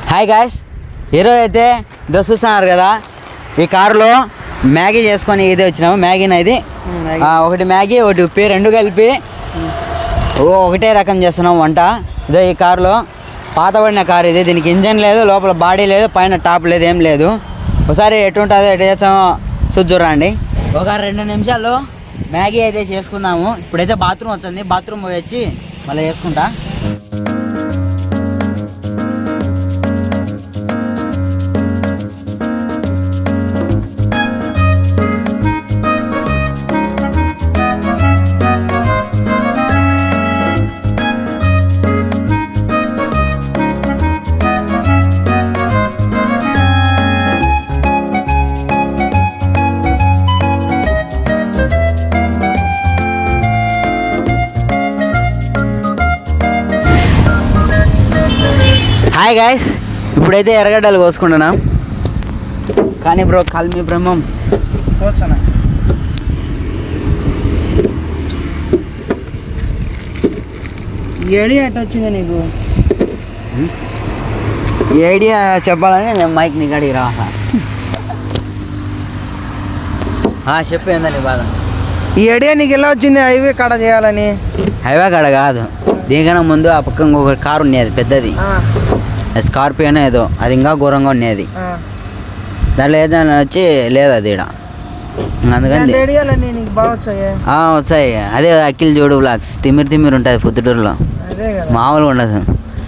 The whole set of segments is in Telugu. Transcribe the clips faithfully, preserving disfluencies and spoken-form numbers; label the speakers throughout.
Speaker 1: హాయ్ గాయ్స్, ఈరోజు అయితే ఇదో చూస్తున్నారు కదా, ఈ కారులో మ్యాగీ చేసుకొని ఇది వచ్చినాము. మ్యాగీనా ఇది ఒకటి మ్యాగీ ఒకటి ఉప్పి రెండు కలిపి ఒకటే రకం చేస్తున్నాం వంట. ఇదో ఈ కారులో పాతబడిన కారు ఇది, దీనికి ఇంజన్ లేదు, లోపల బాడీ లేదు, పైన టాప్ లేదు, ఏం లేదు. ఒకసారి ఎటుంటుందో ఎటు చేస్తామో చూద్దురండి. ఒక రెండు నిమిషాల్లో మ్యాగీ అయితే చేసుకుందాము. ఇప్పుడైతే బాత్రూమ్ వచ్చింది, బాత్రూమ్ పోయి వచ్చి మళ్ళీ చేసుకుంటా. హాయ్ గాయ్స్, ఇప్పుడైతే ఎర్రగడ్డలు కోసుకుంటున్నాం. కానీ బ్రో కాల్మి బ్రహ్మం
Speaker 2: కోసనా ఈ ఐడియా ఎట్లా వచ్చింది నీకు?
Speaker 1: ఈ ఐడియా చెప్పాలని నేను మైక్ నీ గడికి రా చెప్పు, ఏందని బాధ?
Speaker 2: ఈ ఐడియా నీకు ఎలా వచ్చింది హైవే కాడ చేయాలని?
Speaker 1: హైవే కాడ కాదు, దీనికన్నా ముందు ఆ పక్క ఇంకొక కారు ఉండేది పెద్దది, స్కార్పియోనో ఏదో, అది ఇంకా ఘోరంగా ఉండేది. దాంట్లో ఏదైనా వచ్చి లేదు అది ఇక్కడ, అందుకని
Speaker 2: నీకు బాగా వచ్చాయి.
Speaker 1: వచ్చాయి. అదే అఖిల్ జోడు బ్లాగ్స్, తిమ్మిరి తిమ్మిరి ఉంటుంది పొద్దుటూరులో, మామూలుగా ఉండదు.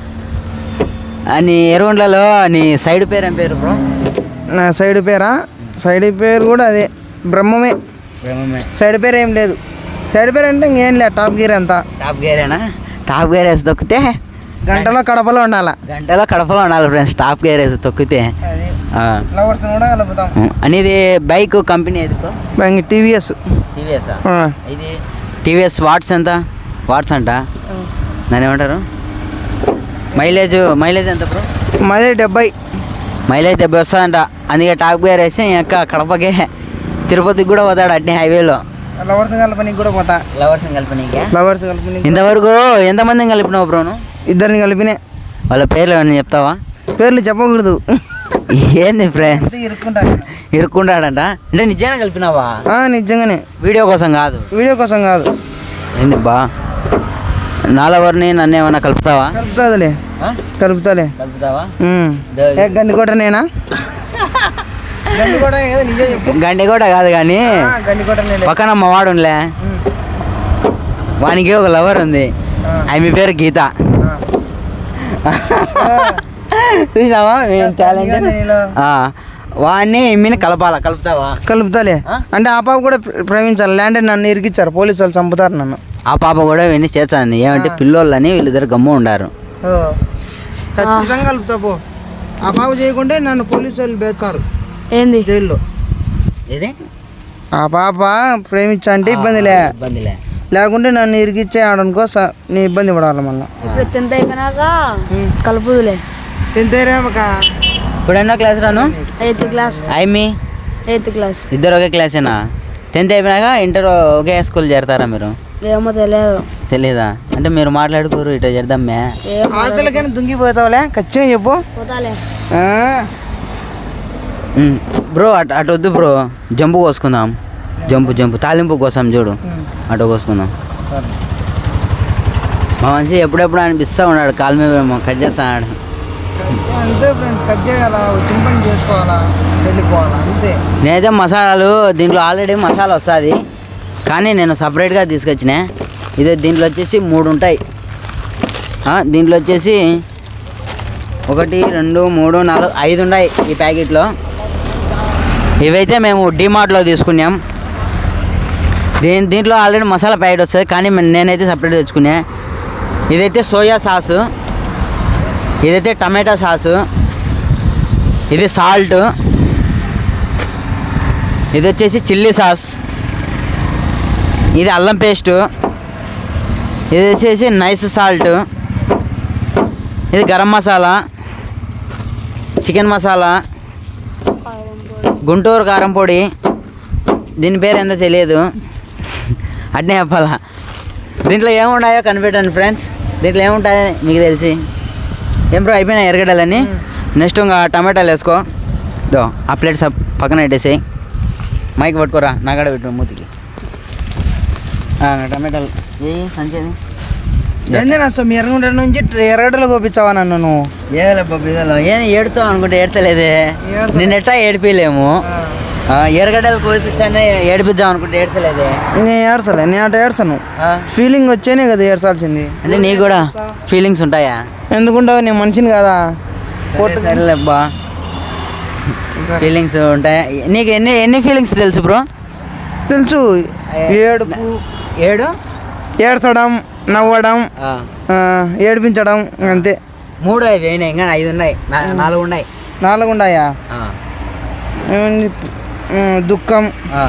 Speaker 1: నీ ఎరువుండ్లలో నీ సైడ్ పేరు ఏం పేరు బ్రో?
Speaker 2: నా సైడ్ పేరా? సైడ్ పేరు కూడా అదే బ్రహ్మమే.
Speaker 1: బ్రహ్మమే
Speaker 2: సైడ్ పేరు ఏం లేదు. సైడ్ పేరు అంటే ఇంకేం లేదు, టాప్ గేర్ అంతా.
Speaker 1: టాప్ గేరేనా? టాప్ గేర్ వేసి తొక్కితే
Speaker 2: గంటలో కడపలో ఉండాలా.
Speaker 1: గంటలో కడపలో ఉండాలి ఫ్రెండ్స్, టాప్ గేర్ వేసి తొక్కితే.
Speaker 2: ఫ్లవర్స్ కూడా కలుపుతాం.
Speaker 1: అనేది బైక్ కంపెనీ ఏది బ్రో?
Speaker 2: టీవీఎస్.
Speaker 1: టీవీఎస్ ఇది టీవీఎస్ వాట్స్ ఎంత? వాట్స్ అంట దాన్ని ఏమంటారు? మైలేజ్ మైలేజ్ ఎంత బ్రో?
Speaker 2: మైలేజ్ డెబ్బై.
Speaker 1: మైలేజ్ డెబ్బై వస్తుందంట. అందుకే టాప్ గేర్ వేసి ఇంకా కడపకే తిరుపతికి కూడా పోతాడు అట్నే హైవేలో.
Speaker 2: లవర్స్ కలపనికి కూడా పోతా.
Speaker 1: లవర్స్ కలిపనికి
Speaker 2: లవర్స్ కలపనికి
Speaker 1: ఇంతవరకు ఎంతమందిని కలిపినావు బ్రోను?
Speaker 2: ఇద్దరిని కలిపినే.
Speaker 1: వాళ్ళ పేర్లు ఏమన్నా చెప్తావా?
Speaker 2: పేర్లు చెప్పకూడదు.
Speaker 1: ఏంది ఫ్రెండ్స్,
Speaker 2: ఇరుక్కుంటాడు
Speaker 1: ఇరుక్కుంటాడంట. అంటే నిజంగా కలిపినావా?
Speaker 2: నిజంగానే,
Speaker 1: వీడియో కోసం కాదు.
Speaker 2: వీడియో కోసం కాదు.
Speaker 1: ఏంది బా, నాలెవరిని నన్ను ఏమన్నా కలుపుతావా?
Speaker 2: కలుపుతాదులే కలుపుతాలే
Speaker 1: కలుపుతావా?
Speaker 2: గండి కోట నేనా?
Speaker 1: గండి కూడా కాదు కానీ పక్కన మా వాడు ఉండలే, వానికి ఒక లవర్ ఉంది, ఆమె పేరు గీత. చూసినావా టాలెంట్? వాడిని ఇమ్మిని కలపాలా? కలుపుతావా?
Speaker 2: కలుపుతాలే. అంటే ఆ పాప కూడా ప్రేమించాలి, లేదంటే నన్ను ఇరికిచ్చారు, పోలీసు వాళ్ళు చంపుతారు నన్ను.
Speaker 1: ఆ పాప కూడా విని చేస్తుంది. ఏమంటే పిల్లోళ్ళని వీళ్ళిద్దరు గమ్ము ఉండారు.
Speaker 2: ఖచ్చితంగా కలుపుతా పో. ఆ పాప చేయకుంటే నన్ను పోలీసు వాళ్ళు బేస్తారు
Speaker 3: ఏంది
Speaker 2: జైల్లో.
Speaker 1: ఏదే
Speaker 2: ఆ పాప ప్రేమించా అంటే ఇబ్బందిలే,
Speaker 1: ఇబ్బందిలే.
Speaker 2: లేకుంటే నన్ను ఇరికిచ్చే ఆడనుకో నీ ఇబ్బంది పడాలి మళ్ళీ.
Speaker 3: ఇప్పుడు టెన్త్ అయిపోయినాక కలుపుదులే.
Speaker 2: టెన్త్
Speaker 1: ఇప్పుడు ఎన్నో క్లాస్ రాను?
Speaker 3: Eighth class.
Speaker 1: ఐమి
Speaker 3: ఎయిత్ క్లాస్.
Speaker 1: ఇద్దరు ఒకే క్లాసేనా? టెన్త్ అయిపోయినాక ఇంటర్ ఒకే స్కూల్ చేరతారా మీరు?
Speaker 3: ఏమో తెలియదు.
Speaker 1: తెలీదా? అంటే మీరు మాట్లాడుకోరు ఇట్లా చేద్దాం మే
Speaker 2: హాస్టల్కైనా దుంగిపోతావులే, ఖచ్చితంగా చెప్పు.
Speaker 3: పోతాలే
Speaker 1: బ్రో. అటు అటు వద్దు బ్రో, జంపు కోసుకుందాం. జంపు జంపు తాలింపు కోసం చూడు, అటు కోసుకుందాం. మా మనిషి ఎప్పుడెప్పుడు అనిపిస్తూ ఉన్నాడు, కాలు మీద కట్ చేస్తాడు.
Speaker 2: అంతే ఫ్రెండ్స్, కట్ చేయాలా, చింపని చేసుకోవాలా, వెళ్ళిపోవాలా అంతే.
Speaker 1: నేనైతే మసాలాలు దీంట్లో ఆల్రెడీ మసాలా వస్తుంది, కానీ నేను సపరేట్గా తీసుకొచ్చిన. ఇది దీంట్లో వచ్చేసి మూడు ఉంటాయి. దీంట్లో వచ్చేసి ఒకటి రెండు మూడు నాలుగు ఐదు ఉన్నాయి ఈ ప్యాకెట్లో. ఇవైతే మేము డిమార్ట్లో తీసుకున్నాం. దీని దీంట్లో ఆల్రెడీ మసాలా ప్యాకెట్ వస్తుంది, కానీ నేనైతే సపరేట్ తెచ్చుకున్నా. ఇదైతే సోయా సాసు, ఇదైతే టమాటా సాసు, ఇది సాల్ట్, ఇది వచ్చేసి చిల్లీ సాస్, ఇది అల్లం పేస్టు, ఇది వచ్చేసి నైస్ సాల్ట్, ఇది గరం మసాలా, చికెన్ మసాలా, గుంటూరు కారం పొడి, దీని పేరు ఏందో తెలియదు, అట్నే చెప్పాలా. దీంట్లో ఏమున్నాయో కనిపెట్టండి ఫ్రెండ్స్. దీంట్లో ఏముంటాయో మీకు తెలిసి. ఏం బ్రో అయిపోయినా ఎరగడాలని నెక్స్ట్ ఇంకా టమాటాలు వేసుకో. దో ఆ ప్లేట్ సప్ పక్కన పెట్టేసేయి. మైక్ పట్టుకోరా నాగడ పెట్టు మూతికి. టమాటాలు ఏ సంచేది
Speaker 2: ఏంది నా సో మీ ఎర్రగుంట నుంచి ఎర్రగడ్డలో కోపించావా నన్ను నువ్వు?
Speaker 1: ఏలే బొబ్బిదలో ఏం ఏడుచావు అనుకుంటే ఏడ్చలేదే.
Speaker 2: ఏడ్చలే.
Speaker 1: నిన్న ఎట్టా ఏడిపిలేము. ఎర్రగడ్డలు కోపించానే ఏడిపిద్దాం అనుకుంటే ఏడ్చలేదే.
Speaker 2: నేను ఏడ్చలే, నేను అటు ఏడ్చను. ఫీలింగ్ వచ్చేనే కదా ఏడ్చాల్సింది.
Speaker 1: అంటే నీకు కూడా ఫీలింగ్స్ ఉంటాయా?
Speaker 2: ఎందుకుంటావు, నేను మనిషిని కదా.
Speaker 1: సరేలేబ్బా, ఫీలింగ్స్ ఉంటాయా? నీకు ఎన్ని ఎన్ని ఫీలింగ్స్ తెలుసు బ్రో?
Speaker 2: తెలుసు. ఏడుపు,
Speaker 1: ఏడు,
Speaker 2: ఏడ్చడం, నవ్వడం, ఏడిపించడం, అంతే.
Speaker 1: మూడు అవి అయినాయి, ఇంకా ఐదు ఉన్నాయి, నా- నాలుగు ఉన్నాయి.
Speaker 2: నాలుగు ఉన్నాయా? ఏముంది? దుఃఖం,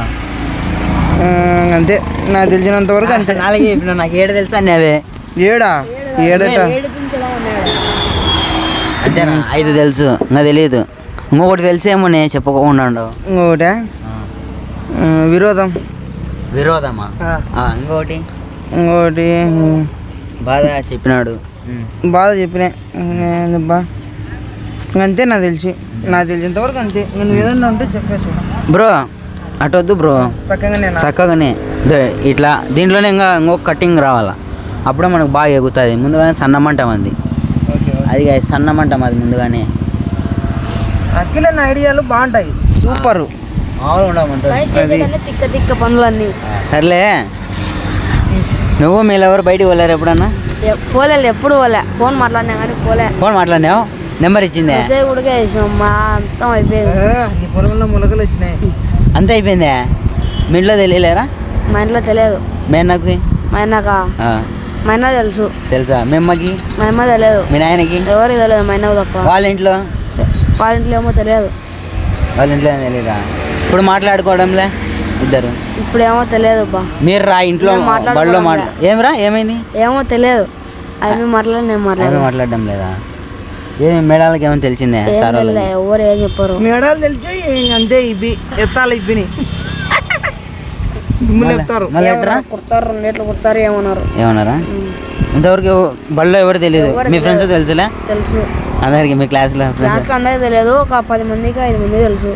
Speaker 2: అంతే. నాకు తెలిసినంత వరకు అంతే.
Speaker 1: నాలుగే చెప్పిన, నాకు ఏడు తెలుసా అన్నీ అవే.
Speaker 2: ఏడా? ఏడట?
Speaker 3: ఏడిపించడం అన్నాడు.
Speaker 1: అంతేనా? ఐదు తెలుసు, ఇంకా తెలియదు. ఇంకొకటి తెలిసేమో నేను చెప్పకుండా ఉండవు.
Speaker 2: ఇంకొకటి విరోధం,
Speaker 1: విరోధమా? ఆ, ఇంకొకటి
Speaker 2: ఇంకోటి
Speaker 1: బాధ చెప్పినాడు.
Speaker 2: బాధ చెప్పినా బా అంతే. నాకు తెలిసి నాకు తెలిసినంత వరకు అంతే. నేను ఏదన్నా ఉంటే చెప్పేసి
Speaker 1: బ్రో అటొద్దు బ్రో,
Speaker 2: చక్కగా నేను
Speaker 1: చక్కగానే దో ఇట్లా దీంట్లోనే ఇంకా ఇంకొక కటింగ్ రావాలా, అప్పుడే మనకు బాగా ఎగుతుంది. ముందుగానే సన్నమంటం అది అది కాదు, సన్నమంటం అది ముందుగానే.
Speaker 2: అఖిల నా ఐడియాలు బాగుంటాయి, సూపర్.
Speaker 1: మామూలు ఉండమంటుంది.
Speaker 3: బయట చేసేదన్నీ తిక్క తిక్క పనులన్నీ.
Speaker 1: సర్లే, నువ్వు మీరెవరు బయటికి వెళ్ళారు ఎప్పుడన్నా?
Speaker 3: ఎ- పోలేదు, ఎప్పుడు పోలే. ఫోన్ మాట్లాడినా కానీ పోలే.
Speaker 1: ఫోన్ మాట్లాడినావు, నెంబర్ ఇచ్చిందే,
Speaker 3: మెసేజ్ కూడా వేసాం. మా అంతం అయిపోయింది.
Speaker 2: ఈ పొలంలో మొలకలు వచ్చినాయి.
Speaker 1: అంతే అయిపోయిందే. మీ ఇంట్లో తెలియలేరా?
Speaker 3: మా ఇంట్లో తెలియదు.
Speaker 1: మీ అన్నకి?
Speaker 3: మా అన్నక
Speaker 1: ఆ,
Speaker 3: మా అన్న తెలుసు.
Speaker 1: తెలుసా? మీ అమ్మకి?
Speaker 3: మా అమ్మ తెలియదు.
Speaker 1: మీ నాయనకి?
Speaker 3: ఎవరికి తెలియదు, మా అన్నకు తప్ప.
Speaker 1: వాళ్ళ ఇంట్లో?
Speaker 3: వాళ్ళ ఇంట్లో ఏమో తెలియదు.
Speaker 1: వాళ్ళ ఇంట్లో ఏం తెలీదా? ఇప్పుడు మాట్లాడుకోవడంలే ఇద్దరు?
Speaker 3: ఇప్పుడేమో తెలియదు బా.
Speaker 1: మీరు రా ఇంట్లో
Speaker 3: మేము మాట్లాడుకోవడం
Speaker 1: బడిలో
Speaker 3: లే.
Speaker 1: మాట్లా ఏమిరా ఏమైంది?
Speaker 3: ఏమో తెలియదు. అవి మాట్లాడి నేను
Speaker 1: ఏమీ
Speaker 3: మాట్లాడను.
Speaker 1: మాట్లాడడం లేదా? ఏమి మేడాలకి ఏమైనా తెలిసిందే
Speaker 3: ఏం
Speaker 1: సార్ వాళ్ళకి?
Speaker 3: తెలియదు, ఎవరు ఏం చెప్పరు.
Speaker 2: మేడాలు తెలిసి అంతే. ఇవి ఎత్తాలి, ఇవ్విని దుమ్ములు ఎత్తారు.
Speaker 1: మళ్ళీ ఎట్రా
Speaker 3: కుడతారు, రెండు లీటర్లు కుడతారు ఏమన్నారు.
Speaker 1: ఏమన్నారా? ఇంతవరకు ఎవ- బడిలో ఎవరు తెలియదు, మీ ఫ్రెండ్స్ తెలుసులే
Speaker 3: తెలుసు.
Speaker 1: అందరికి, మీ క్లాస్లో ఫ్రెండ్స్.
Speaker 3: లాస్ట్ అందరికి తెలియదు, ఒక పది మందికి ఐదు మంది తెలుసు.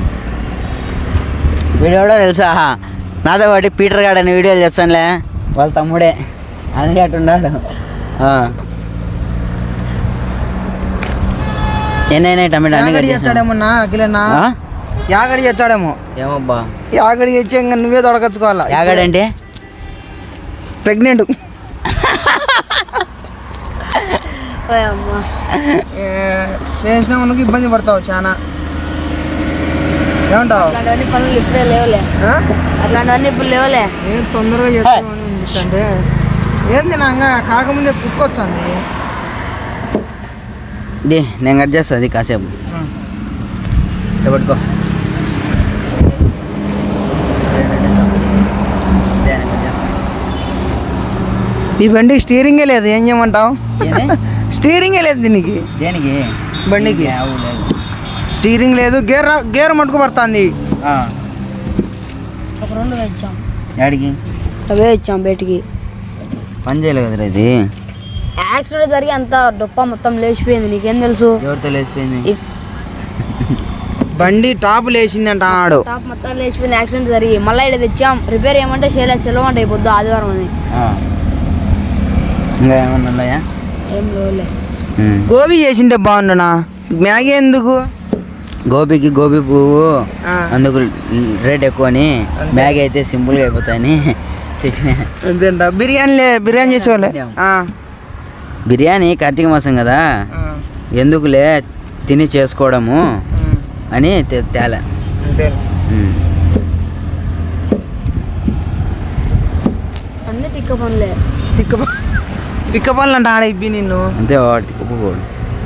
Speaker 1: వీడియో కూడా తెలుసా? నాతో పాటు పీటర్ గార్డ్ అని వీడియోలు చేస్తానులే, వాళ్ళ తమ్ముడే, అందుకే అట్టున్నాడు. ఎన్నైనా టమాటా అన్ని
Speaker 2: యాగడి
Speaker 1: కట్ చేసావా?
Speaker 2: చేస్తాడేమన్నా అఖిలన్నా?
Speaker 1: ఆ?
Speaker 2: యాగడి చేస్తాడేమో.
Speaker 1: ఏమబ్బా
Speaker 2: యాగడి చేసి ఇంకా నువ్వే తొడగచ్చుకోవాలా.
Speaker 1: యాగాడంటే?
Speaker 2: ప్రెగ్నెంట్
Speaker 3: ఓయ్ అమ్మా.
Speaker 2: చేసిన మనకు ఇబ్బంది పడతావు చాలా. ఏమంటావు?
Speaker 3: అట్లాంటివన్నీ పనులు ఇప్పుడే లేవులే.
Speaker 2: ఆ?
Speaker 3: అట్లాంటివన్నీ ఇప్పుడు లేవులే.
Speaker 2: ఏం తొందరగా చేస్తామని అనిపిస్తుంటే ఏంది నా ఇంకా కాకముందే కుక్క వచ్చింది.
Speaker 1: ది నేను కట్ చేస్తా అది కాసేపు ఇట్లా పట్టుకో. దే, నేను కట్ చేస్తా.
Speaker 2: ఈ బండికి స్టీరింగే లేదు, ఏం చేయమంటావు?
Speaker 1: ఏంది?
Speaker 2: స్టీరింగే లేదు దీనికి,
Speaker 1: దేనికి?
Speaker 2: బండికి
Speaker 1: ఆవు లేదు.
Speaker 2: స్టీరింగ్ లేదు. గేర్ గేర్ మట్టుకు పడుతుంది.
Speaker 1: ఆ,
Speaker 3: ఒక రెండు వేయించాం,
Speaker 1: యాడికి?
Speaker 3: అవే ఇచ్చాం బయటికి.
Speaker 1: పని చేయలేదు కదరా ఇది.
Speaker 3: యాక్సిడెంట్ జరిగి అంత డొప్ప మొత్తం లేచిపోయింది. నీకేం తెలుసు?
Speaker 1: ఎవరితో లేచిపోయింది?
Speaker 3: ఈ
Speaker 2: బండి టాప్ లేచింది అంట ఆడు.
Speaker 3: టాప్ మొత్తం లేచిపోయింది యాక్సిడెంట్ జరిగి. మళ్ళీ ఇక్కడ తెచ్చాం, రిపేర్ ఏమంటే చేయలేదు, సెలవు అంటే అయిపోద్దు ఆదివారం అని.
Speaker 1: ఆ. ఇంకా ఏమన్నా ఉన్నాయా?
Speaker 3: ఏం లేవులే.
Speaker 1: ఉమ్.
Speaker 2: గోబీ చేసింటే బాగుండునా, మ్యాగీ ఎందుకు?
Speaker 1: గోబీకి గోబీ పువ్వు
Speaker 2: ఆ.
Speaker 1: అందుకు రేట్ ఎక్కువ అని,
Speaker 2: అంతే.
Speaker 1: బ్యాగ్ అయితే సింపుల్గా అయిపోతాయని తెచ్చిన.
Speaker 2: అంతేంట. బిర్యానీలే, బిర్యానీ చేసేవాళ్ళే. ఆ.
Speaker 1: బిర్యానీ కార్తీక మాసం కదా,
Speaker 2: ఆ.
Speaker 1: ఎందుకులే తిని చేసుకోవడము
Speaker 2: ఉమ్.
Speaker 1: అని తే- తేలే.
Speaker 2: అంతే.
Speaker 1: ఉమ్.
Speaker 3: అన్నీ తిక్క పనులే.
Speaker 2: తిక్క తిక్క పనులు అంట ఆడ ఇబ్బి నిన్ను.
Speaker 1: అంతే వాడి తిక్కుపోడు.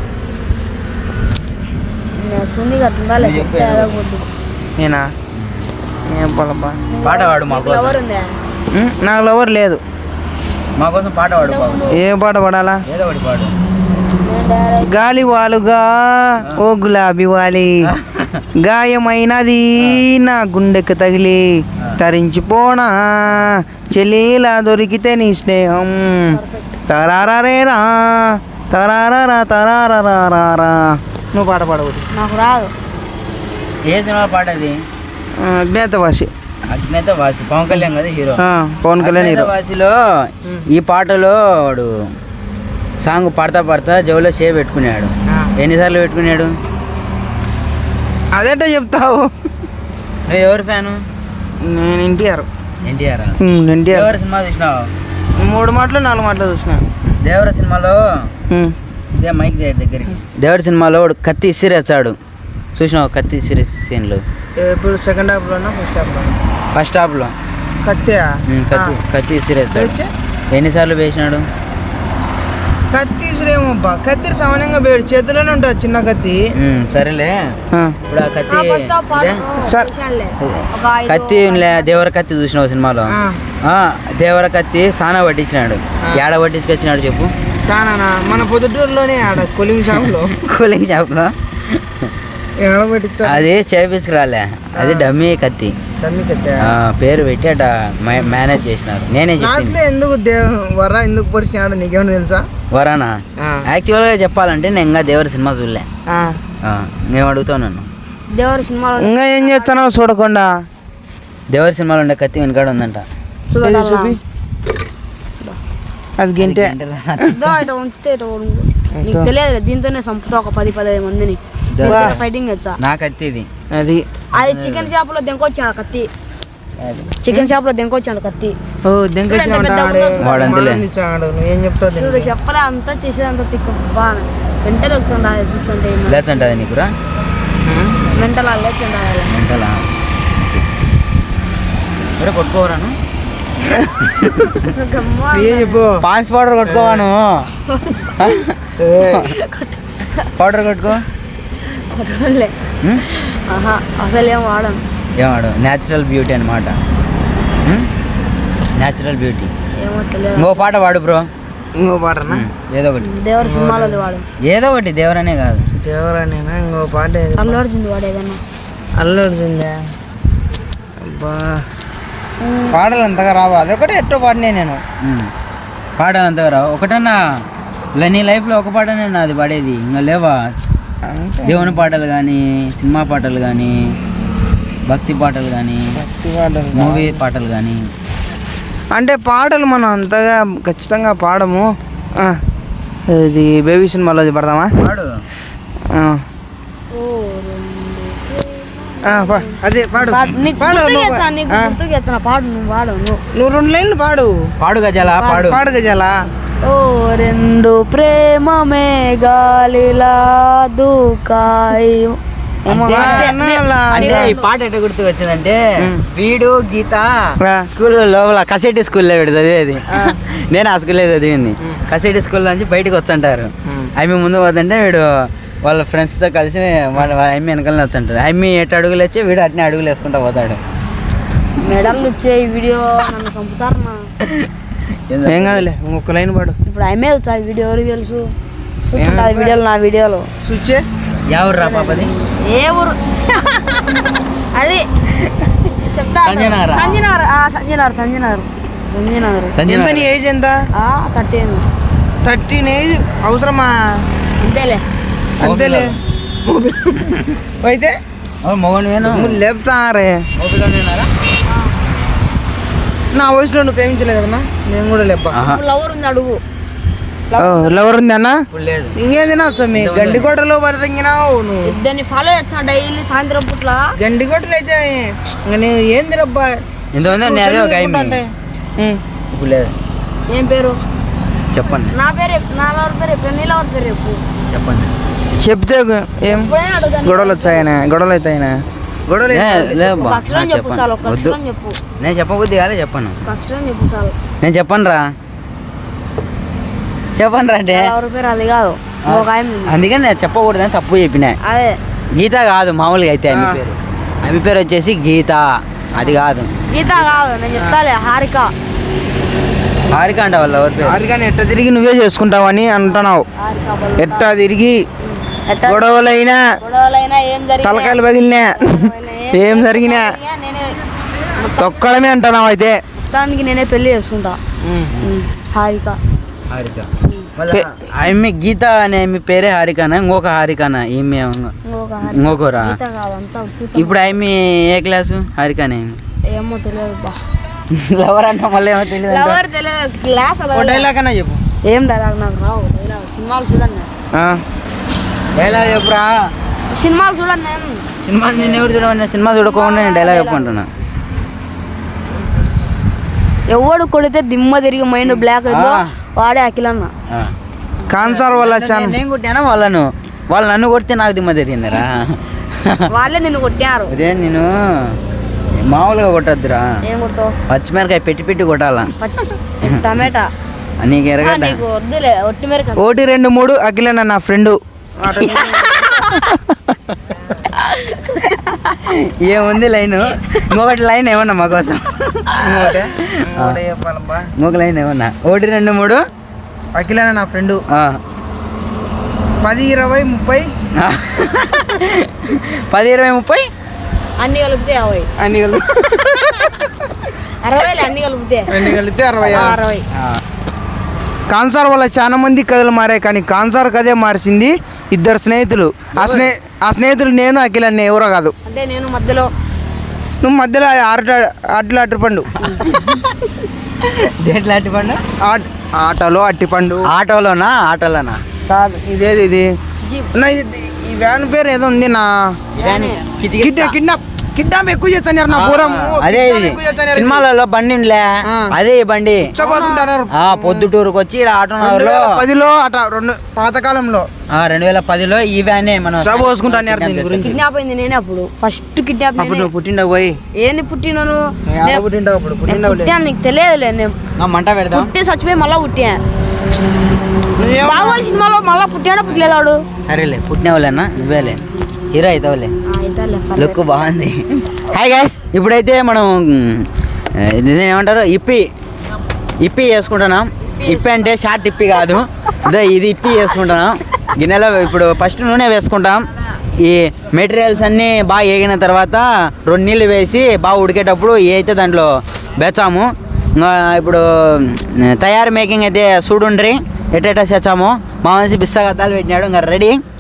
Speaker 3: సున్ని కట్టుండాలి,
Speaker 1: నువ్వు చెప్పు.
Speaker 3: చెప్తే అడగకూడదు.
Speaker 2: నేనా? ఏం పొలబ్బా.
Speaker 1: పాట పాడు మా కోసం.
Speaker 3: ఎవరు ఉందా?
Speaker 2: ఉమ్, నాకు లవర్ లేదు.
Speaker 1: మా కోసం పాట పాడు బాబు.
Speaker 2: ఏ పాట పడాలా?
Speaker 1: ఏదో ఒకటి పాడు.
Speaker 3: నేను డైరెక్ట్
Speaker 2: గాలి వాలుగా ఓ గులాబీ వాలి, గాయమైనది నా గుండెకు తగిలి, తరించిపోనా చెలీలా దొరికితే నీ స్నేహం, తరారేరా తరారా తరారా నువ్వు పాట పాడకూడదు.
Speaker 3: నాకు రాదు.
Speaker 1: ఏ సినిమా పాట అది?
Speaker 2: అజ్ఞాతవాసి.
Speaker 1: అజ్ఞాతవాసి పవన్ కళ్యాణ్ కదా హీరో.
Speaker 2: పవన్ కళ్యాణ్ హీరో.
Speaker 1: అజ్ఞాతవాసిలో ఈ పాటలో వాడు సాంగ్ పాడతా పాడతా జోలో షే పెట్టుకున్నాడు. ఎన్నిసార్లు పెట్టుకున్నాడు?
Speaker 2: అదేంటో చెప్తావు.
Speaker 1: నువ్వు ఎవరు ఫ్యాను?
Speaker 2: నేను ఎన్టీఆర్.
Speaker 1: ఎన్టీఆర్.
Speaker 2: ఎన్టీఆర్.
Speaker 1: దేవర సినిమా చూసినావు?
Speaker 2: మూడు మాటలు నాలుగు మాటలు చూసిన.
Speaker 1: దేవర సినిమాలో ఇదే మైక్ దగ్గరికి దేవర సినిమాలో వాడు కత్తి ఇసిరేస్తాడు. చూసినావు కత్తి ఇసిరే సీన్లు?
Speaker 2: ఇప్పుడు సెకండ్ హాఫ్లోనా ఫస్ట్ హాఫ్లో?
Speaker 1: ఫస్ట్ హాఫ్లో.
Speaker 2: కత్తి
Speaker 1: కత్తి కత్తి ఇసిరేస్తాడు. ఎన్నిసార్లు వేసినాడు?
Speaker 2: కత్తి ఇసురేమబ్బా, కత్తి సామాన్యంగా వేడు చేతిలోనే ఉంటుంది చిన్న కత్తి.
Speaker 1: సరేలే, ఇప్పుడు ఆ కత్తి కత్తి దేవర కత్తి చూసినావు సినిమాలో? దేవర కత్తి సానా పట్టించినాడు. ఏడ పట్టించుకొచ్చినాడు చెప్పు?
Speaker 2: సానా మన పొద్దుటూరులోనే ఆడ కూలింగ్ షాప్లో. కూలింగ్ షాప్లో
Speaker 1: అది చేపించుకురాలే, అది డమ్మీ కత్తి.
Speaker 2: డమ్మీ కత్తి
Speaker 1: పేరు పెట్టి అట మేనేజ్ చేసినారు. నేనే చెప్పిన
Speaker 2: ఎందుకు వర ఎందుకు పరిచినాడు నీకేమన్నా తెలుసా?
Speaker 1: వరానా? యాక్చువల్గా చెప్పాలంటే నేను ఇంకా దేవర సినిమా చూడలే. నేను అడుగుతావు నన్ను,
Speaker 3: దేవర సినిమా
Speaker 2: ఇంకా ఏం చేస్తానో చూడకుండా.
Speaker 1: దేవర సినిమాలో ఉండే కత్తి వెనకాడ ఉందంట.
Speaker 2: చూపి, అది గింటే
Speaker 3: ఉంచితే నీకు తెలియదు. దీంతోనే చంపుతా ఒక పది పదిహేను మందిని. ఫైటింగ్ వచ్చా
Speaker 1: నా కత్తి ఇది.
Speaker 2: అది
Speaker 3: అది చికెన్ షాప్ లో దెంకొచ్చాడు కత్తి. చికెన్ షాప్ లో దెంకొచ్చాడు కత్తి.
Speaker 2: ఏం చెప్తావు?
Speaker 3: చెప్పలే అంతా చేసేదంతా తిక్క బాగా మెంటల్ ఎక్కుతుండే చూస్తుంటే.
Speaker 1: లేచంటది నీకురా?
Speaker 3: మెంటల్ లేచండి
Speaker 1: మెంటలా? సరే కొట్టుకోవరాను. పాన్స్ పౌడర్ కొట్టుకోవాను. పౌడర్ కొట్టుకో.
Speaker 3: అసలు ఏం వాడను.
Speaker 1: ఏం వాడు? న్యాచురల్ బ్యూటీ అనమాట. Natural beauty.
Speaker 3: ఏమో తెలియదు.
Speaker 1: ఇంకో పాట పాడు బ్రో.
Speaker 2: ఇంకో పాటనా?
Speaker 1: ఏదో ఒకటి.
Speaker 3: దేవర సినిమాలో వాడు.
Speaker 1: ఏదో ఒకటి. దేవరనే కాదు,
Speaker 2: దేవరనేనా? ఇంకో పాట
Speaker 3: అల్లు అర్జున్ వాడు ఏదన్నా.
Speaker 2: అల్లు అర్జున్దా? అబ్బా పాటలు అంతగా రావు. అదొకటి ఎట్టో పాడినే నేను.
Speaker 1: పాటలు అంతగా రావు. ఒకటన్నా నీ లైఫ్లో ఒక పాటనే అది పాడేది, ఇంకా లేవా? దేవుని పాటలు కానీ, సినిమా పాటలు కానీ, భక్తి పాటలు కానీ,
Speaker 2: భక్తి పాటలు,
Speaker 1: మూవీ పాటలు కానీ.
Speaker 2: అంటే పాటలు మనం అంతగా ఖచ్చితంగా పాడము. ఇది బేబీ సినిమాలో పడదామా?
Speaker 1: పాడు.
Speaker 2: అదే పాడు. నువ్వు రెండు లైన్లు పాడు.
Speaker 1: పాడు గజాల. పాడు
Speaker 2: పాడు గజాల.
Speaker 3: ఓ రెండు ప్రేమ మేఘాలిలా దూకాయి.
Speaker 1: అంటే ఈ పాట ఎట్లా గుర్తుకు వచ్చిందంటే, వీడు గీత స్కూల్ లోపల కసెట్టి స్కూల్లో వీడు చదివేది. నేను ఆ స్కూల్లో చదివింది. కసెట్టి స్కూల్ నుంచి బయటకు వచ్చంటారు. అమ్మి ముందు పోతుంటే వీడు వాళ్ళ ఫ్రెండ్స్తో కలిసి వాళ్ళ అమ్మి వెనకాలనే వచ్చంటారు. అమ్మి ఎటు అడుగులు వచ్చి వీడు అట్నే అడుగులు వేసుకుంటా పోతాడు.
Speaker 3: మెడల్ వచ్చే వీడియో నన్ను చంపుతారు.
Speaker 2: ఏం కాదులే, ఇంకొక లైన్ పాడు.
Speaker 3: ఇప్పుడు అమ్మే వచ్చాది వీడియో ఎవరికి తెలుసు? వీడియోలు నా వీడియోలో
Speaker 2: చూచే.
Speaker 1: ఎవరు రా పాపది?
Speaker 3: ఏ ఊరు అది చెప్తా. సంజయనగర్. సంజయనగర్ సంజయనగర్ సంజయనగర్.
Speaker 2: ఎంత నీ ఏజ్ ఎంత?
Speaker 3: థర్టీన్.
Speaker 2: థర్టీన్ ఏజ్ అవసరమా?
Speaker 3: అంతేలే
Speaker 2: అంతేలే. అయితే
Speaker 1: మొగను
Speaker 2: లేపుతారే. నా వయసులో నువ్వు ప్రేమించలే కదన్నా, నేను కూడా లేపా.
Speaker 3: లవర్ ఉంది అడుగు.
Speaker 2: లవర్ ఉంది అన్న? ఇంకేంది నా స్వామి, గండికోటలో పడతంగినావు నువ్వు.
Speaker 3: దాన్ని ఫాలో చేస్తా డైలీ సాయంత్రం పూట్ల.
Speaker 2: గండికోటలు అయితే నేను ఏంది రబ్బా
Speaker 3: ఏం పేరు
Speaker 1: చెప్పండి?
Speaker 3: నా పేరు నా లవర్ పేరు చెప్పు. నీ లవర్ పేరు చెప్పు.
Speaker 1: చెప్పండి.
Speaker 2: చెప్తే ఏం గొడవలు వచ్చాయనా? గొడవలు అవుతాయనా? గొడవలు
Speaker 3: చెప్పు చాలు. ఒక అక్షరం చెప్పు.
Speaker 1: నేను చెప్పబుద్ధి కాలే, చెప్పను.
Speaker 3: ఒక అక్షరం చెప్పు చాలు.
Speaker 1: నేను చెప్పను రా. చెప్పను రా అంటే
Speaker 3: ఎవరి పేరు అది కాదు.
Speaker 1: అందుకని నేను చెప్పకూడదని తప్పు చెప్పిన.
Speaker 3: అదే
Speaker 1: గీత కాదు మామూలుగా అయితే ఆమె పేరు. ఆమె పేరు వచ్చేసి గీత, అది కాదు.
Speaker 3: గీత కాదు, నేను చెప్తాలే. హారిక.
Speaker 1: హారిక అంట వాళ్ళ ఎవరి పేరు?
Speaker 2: హారికని ఎట్ట తిరిగి నువ్వే చేసుకుంటావని అంటున్నావు. ఎట్టా తిరిగి గొడవలైనా తలకాయలు పగిలినా ఏం జరిగినా తొక్కడమే అంటున్నావు. అయితే
Speaker 3: దానికి నేనే పెళ్లి చేసుకుంటా. హారిక.
Speaker 1: హారిక
Speaker 2: పే-
Speaker 1: ఆమె గీత అనే మీ పేరే హారికానా ఇంకొక హారికానా ఈమె
Speaker 3: ఇంకొక హారి-
Speaker 1: ఇంకొకరా
Speaker 3: గీత కాదంతా ఉత్తుత్త.
Speaker 1: ఇప్పుడు ఆమె ఏ క్లాసు హారికానే
Speaker 3: ఏమో తెలియదు బా
Speaker 1: లవర్ అంట మళ్ళీ ఏమో తెలియదు
Speaker 3: లవర్ తెలియదు క్లాస్
Speaker 2: ఓ డైలాగ్ అన్నా చెప్పు.
Speaker 3: ఏం డైలాగ్ నాకు రావు డైలాగ్ సినిమాలు చూడండి
Speaker 2: ఆ,
Speaker 1: డైలాగ్ చెప్పురా
Speaker 3: సినిమాలు చూడండి నేను
Speaker 1: సినిమా నేను ఎవరు చూడమన్నా సినిమా చూడకుండా నేను డైలాగ్ చెప్పుకుంటున్నా
Speaker 3: ఎవడు కొడితే దిమ్మ తిరిగి మైండ్ బ్లాక్ అయిందో
Speaker 1: ఆ.
Speaker 3: వాడే అఖిలన్న
Speaker 1: ఆ.
Speaker 2: కాన్సార్ వల్ల ఛానల్
Speaker 1: నేను కొట్టానా వాళ్ళను వాళ్ళు నన్ను కొడితే నాకు దిమ్మ తిరిగిందిరా
Speaker 3: వాళ్ళే నిన్ను కొట్టారు
Speaker 1: అదే నేను మామూలుగా కొట్టద్దురా
Speaker 3: ఏం కొడతావు
Speaker 1: పచ్చిమిరకాయ పెట్టి పెట్టి కొట్టాలా
Speaker 3: పచ్చి టమాటా
Speaker 1: నీకు
Speaker 3: ఆ,
Speaker 1: ఎరగడ్డ
Speaker 3: నీకు వద్దులే ఒట్టి మేరకు
Speaker 2: ఒకటి రెండు మూడు అఖిలన్న నా ఫ్రెండ్.
Speaker 1: ఏముంది లైన్ ఇంకొకటి లైన్ ఏమన్నా మా కోసం ఇంకొక లైన్ ఏమన్నా ఒకటి రెండు మూడు
Speaker 2: అఖిలన్న నా ఫ్రెండ్.
Speaker 1: ఆ.
Speaker 2: పది ఇరవై ముప్పై
Speaker 1: పది ఇరవై ముప్పై
Speaker 3: అన్ని కలిపితే యాభై
Speaker 2: అన్ని కలిపి
Speaker 3: అరవైలే అన్ని కలిపితే
Speaker 2: అన్ని కలిపితే అరవై.
Speaker 3: ఆ, అరవై
Speaker 1: ఆ.
Speaker 2: కాన్సార్ వల్ల చాలా మంది కథలు మారాయి కానీ కాన్సార్ కథే మార్చింది ఇద్దరు స్నేహితులు. ఆ స్నే ఆ స్నేహితులు నేను అఖిలన్న ఎవరో కాదు.
Speaker 3: అంటే నేను మధ్యలో
Speaker 2: నువ్వు మధ్యలో ఆట అట్లు అట్టుపండు
Speaker 1: దేంట్లో అట్టి పండు
Speaker 2: ఆట ఆటలో అట్టిపండు
Speaker 1: ఆటోలోనా ఆటోలోనా
Speaker 2: కాదు ఇదేది ఇది
Speaker 3: జీప్
Speaker 2: నా ఇది ఈ వ్యాన్ పేరు ఏదో ఉంది నా కిడ్ కిడ్నాప్ కిడ్నాప్ ఎక్కువ చేస్తున్నారు నా పూరం
Speaker 1: అదే ఇది సినిమాలలో బండి ఉందిలే
Speaker 2: ఆ.
Speaker 1: అదే ఈ బండి
Speaker 2: ఉచ్చపోతుంటారు.
Speaker 1: ఆ పొద్దుటూరుకు వచ్చి ఇక్కడ ఆటో
Speaker 2: రెండు
Speaker 1: నగర్లో
Speaker 2: వేల పదిలో అట రెండు పాతకాలంలో
Speaker 1: ఆ, రెండు వేల పదిలో ఈ వ్యానే మనం
Speaker 2: ఉచ్చ పోసుకుంటాను దీని గురించి.
Speaker 3: కిడ్నాప్ అయింది నేనే అప్పుడు ఫస్ట్ కిడ్నాప్
Speaker 2: అప్పుడు
Speaker 3: నేనే
Speaker 2: నువ్వు పుట్టిండవు పోయి
Speaker 3: ఏంది పుట్టినాను
Speaker 2: ఆడ పుట్టిండవు అప్పుడు
Speaker 3: నేను
Speaker 2: పుట్టిండవు
Speaker 3: పుట్టాను నీకు తెలియదులే నేను
Speaker 1: ఆ, మంట పెడదాం
Speaker 3: పుట్టి చచ్చిపోయి మళ్ళా పుట్టా
Speaker 2: నువ్వేమో
Speaker 3: బాగోలు సినిమాలో మళ్ళా పుట్టాడా పుట్టలేదాడు
Speaker 1: సరేలే పుట్టినవాళ్ళేనా నువ్వేలే హీరో అవుతావులే
Speaker 3: అయితే
Speaker 1: లుక్ బాగుంది హాయ్ గైస్ ఇప్పుడైతే మనం ఆ, ఇది ఏమంటారు ఇప్పి ఇప్పి చేసుకుంటున్నాం ఇప్పి అంటే షార్ట్ ఇప్పి కాదు ఇదే ఇది ఇప్పి చేసుకుంటున్నాం గిన్నెలో ఇప్పుడు ఫస్ట్ నూనె వేసుకుంటాం ఈ మెటీరియల్స్ అన్నీ బాగా వేగిన తర్వాత రెండు నీళ్ళు వేసి బాగా ఉడికేటప్పుడు ఏ అయితే దాంట్లో బెచ్చాము ఇంకా ఇప్పుడు తయారు మేకింగ్ అయితే చూడుండ్రి ఎట్టెట్టా చేసాము మా మనిషి బిస్సగద్దాలు పెట్టినాడు ఇంకా రెడీ